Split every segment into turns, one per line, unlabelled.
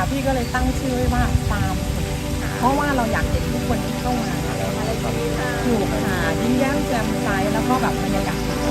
ค่ะพี่ก็เลยตั้งชื่อไว้ว่าฟาร์มสุขเพราะว่าเราอยากเห็นทุกคนที่เข้ามา
อะไรแบบนี้ค่ะ
ถูกค่ะยิ้มแย้มแจ่มใสแล้วก็แบบบรรยากาศดี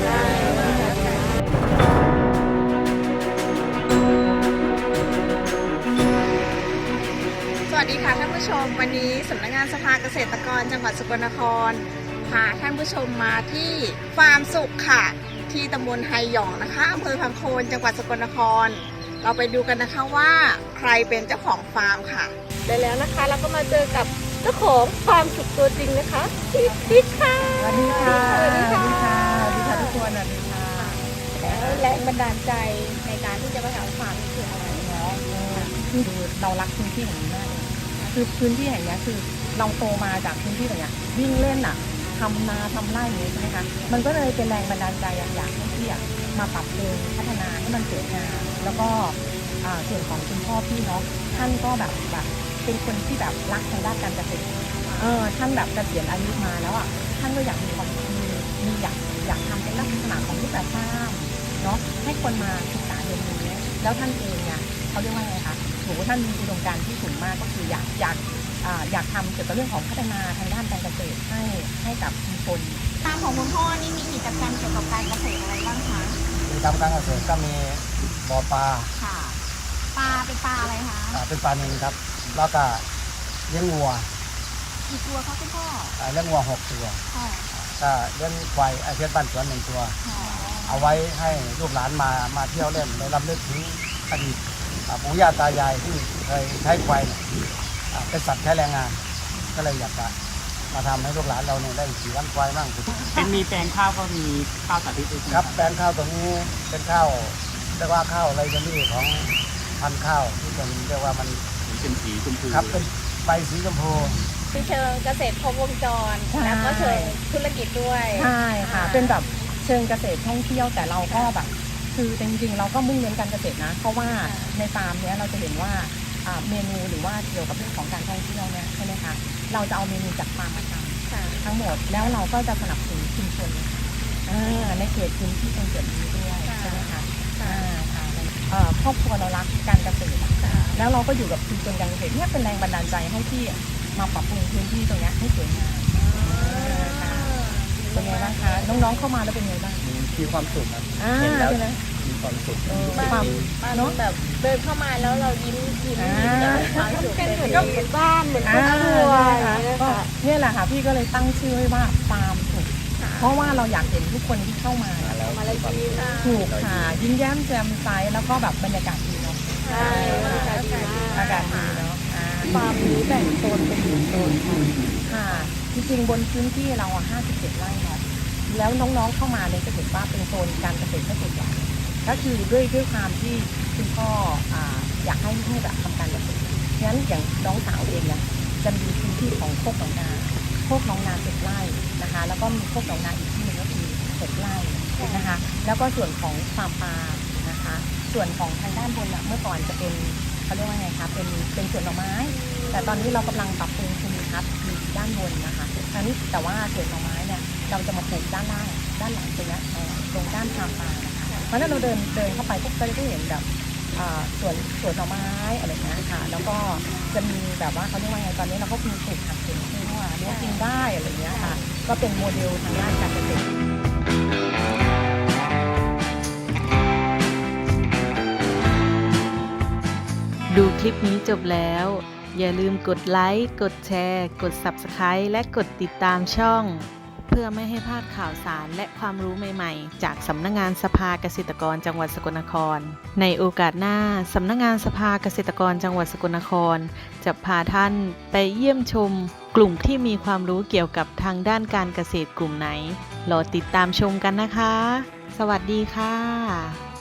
สวัสดีค่ะท่านผู้ชมวันนี้สำนักงานสภาเกษตรกรจังหวัดสกลนครพาท่านผู้ชมมาที่ฟาร์มสุขค่ะที่ตำบลไฮหยองนะคะอำเภอพังโคนจังหวัดสกลนครเราไปดูกันนะคะว่าใครเป็นเจ้าของฟาร์มค่ะได้แล้วนะคะเราก็มาเจอกับเจ้าของฟาร์มสุขตัวจริงนะคะพี่ติ๊กค่ะ
สวัสดีค่ะสวัสดีค่ะสวัสดีค่ะทุกคนสวัสดีค่ะ
แล้วแรงบันดาลใจในการที่จะมาทำฟาร์มนี่คืออะไรเนาะ
คือเรารักพื้นที่แห่งนี้มากเลยคือพื้นที่แห่งนี้คือเราโตมาจากพื้นที่แบบนี้วิ่งเล่นอ่ะทำนาทำไร่อย่างนี้ใช่ไหมคะมันก็เลยเป็นแรงบันดาลใจอยากให้พี่มาปรับปรุงพัฒนาให้มันสวยงามแล้วก็ส่วนของคุณพ่อพี่เนาะท่านก็แบบเป็นคนที่แบบรักทางด้านการเกษตรท่านแบบเกษียณอายุมาแล้วอ่ะท่านก็อยากมีความมีอยากทำเป็นลักษณะของรูปแบบฟาร์มเนาะให้คนมาศึกษาเรียนรู้แล้วท่านเองเนี่ยเขาเรียกว่าไงคะโหท่านมีอุดมการณ์ที่สูงมากก็คืออยากทำเกี่ยวกับเรื่องของพัฒนาทางด้านการเกษตรให้กับชุมชน
ฟาร์มของคุณพ่อนี่มีกิจกรรมเกี่ยวกับการเกษตรอะไรบ้างคะ
กิจกรรมการเกษตรก็มีบ่อปลา
ค่ะปลาเป็นปลาอะไรคะ
เป็นปลานิลครับแล้วก็เลี้ยงวัว
กี่ตัวคะคุณพ่อ
เลี้ยงวัว6 ตัวก็เลี้ยงควายเลี้ยงบ้านสวน1 ตัวเอาไว้ให้ลูกหลานมาเที่ยวเล่นได้รำลึกถึงอดีตปู่ย่าตายายที่เคยใช้ควายเป็นสัตว์ใช้แรงงานก็เลยอยากจะมาทำให้ลูกหลานเราเนี่ยได้ขี่วันควายบ้าง
เป็นมีแปลงข้าวก็มีข้าวสาธิตด้วย
ครับแปลงข้าวตรงนี้เป็นข้าวเรียกว่าข้าวไรเดอรี่ของพันธุ์ข้าวที่เป็นเรียกว่ามัน
เป็นสีชมพู
ครับเป็นใบสีชมพู
มีเชิงเกษตรครบวงจรแล้วก็เชิงธุรกิจด้วย
ใช่ค่ะเป็นแบบเชิงเกษตรท่องเที่ยวแต่เราก็แบบคือจริงๆเราก็มุ่งเน้นการเกษตรนะเพราะว่าในฟาร์มเนี้ยเราจะเห็นว่าเมนูหรือว่าเกี่ยวกับเรื่องของการท่องเที่ยวเนี่ยใช่ไหมคะเราจะเอาเมนูจากฟาร์มมาทำทั้งหมดแล้วเราก็จะสนับสนุนชุมชนในเขตพื้นที่ตรงจุดนี้ด้วยใช่ไหมคะครอบครัวเรารักการเกษตรแล้วเราก็อยู่กับชุมชนการเกษตรเนี่ยเป็นแรงบันดาลใจให้ที่มาปรับปรุงพื้นที่ตรงนี้ให้สวยงามเป็นไงบ้างคะน้องๆเข้ามาแล้วเป็นไงบ้าง
มีความสุขครับ
เห็นแล้ว
มีความสุข
ความ
เนาะแบบเดินเข้ามาแล้วเรายิ้มความสุขเป็นเหมือนบ้านเหมือนครอบครัว
ก็เนี่ยแหละค่ะพี่ก็เลยตั้งชื่อไว้ว่าฟาร์มสุขเพราะว่าเราอยากเห็นทุกคนที่เข้ามาถูกค่ะยิ้มแย้มแจ่มใสแล้วก็แบบบรรยากาศดีเนาะอากาศดีเนาะฟาร์มนี้แบ่งโซนเป็นโซนค่ะจริงๆบนพื้นที่เรา57 ไร่เนาะแล้วน้องๆเข้ามาเลยจะเห็นว่าเป็นโซนการเกษตรส่วนใหญ่ก็คือด้วยความที่คุณพ่ออยากให้แบบทำการเกษตรงั้นอย่างน้องสาวเองเนี่ยจะมีพื้นที่ของโคกหนองนา7 ไร่นะคะแล้วก็มีโคกหนองนาอีกที่หนึ่งก็คือ6 ไร่นะคะแล้วก็ส่วนของฟาร์มปลานะคะส่วนของทางด้านบนเมื่อก่อนจะเป็นเขาเรียกว่าไงคะเป็นสวนหน่อไม้แต่ตอนนี้เรากำลังปรับปรุงภูมิทัศน์อยู่ด้านบนนะคะแต่ว่าสวนหน่อไม้เนี่ยเราจะมาปลูกด้านล่างด้านหลังตรงนี้ตรงด้านฟาร์มปลานะคะเพราะฉะนั้นเราเดินเข้าไปพวกก็จะได้เห็นแบบสวนหน่อไม้อะไรอย่างเงี้ยค่ะแล้วก็จะมีแบบว่าเขาเรียกว่าไงตอนนี้เราก็มีปลูกผักสวนครัวเลี้ยงกินได้อะไรอย่างเงี้ยค่ะก็เป็นโมเดลทางด้านการเกษตร
ดูคลิปนี้จบแล้วอย่าลืมกดไลค์กดแชร์กด Subscribe และกดติดตามช่องเพื่อไม่ให้พลาดข่าวสารและความรู้ใหม่ๆจากสำนักงานสภาเกษตรกรจังหวัดสกลนครในโอกาสหน้าสำนักงานสภาเกษตรกรจังหวัดสกลนครจะพาท่านไปเยี่ยมชมกลุ่มที่มีความรู้เกี่ยวกับทางด้านการเกษตรกลุ่มไหนรอติดตามชมกันนะคะสวัสดีค่ะ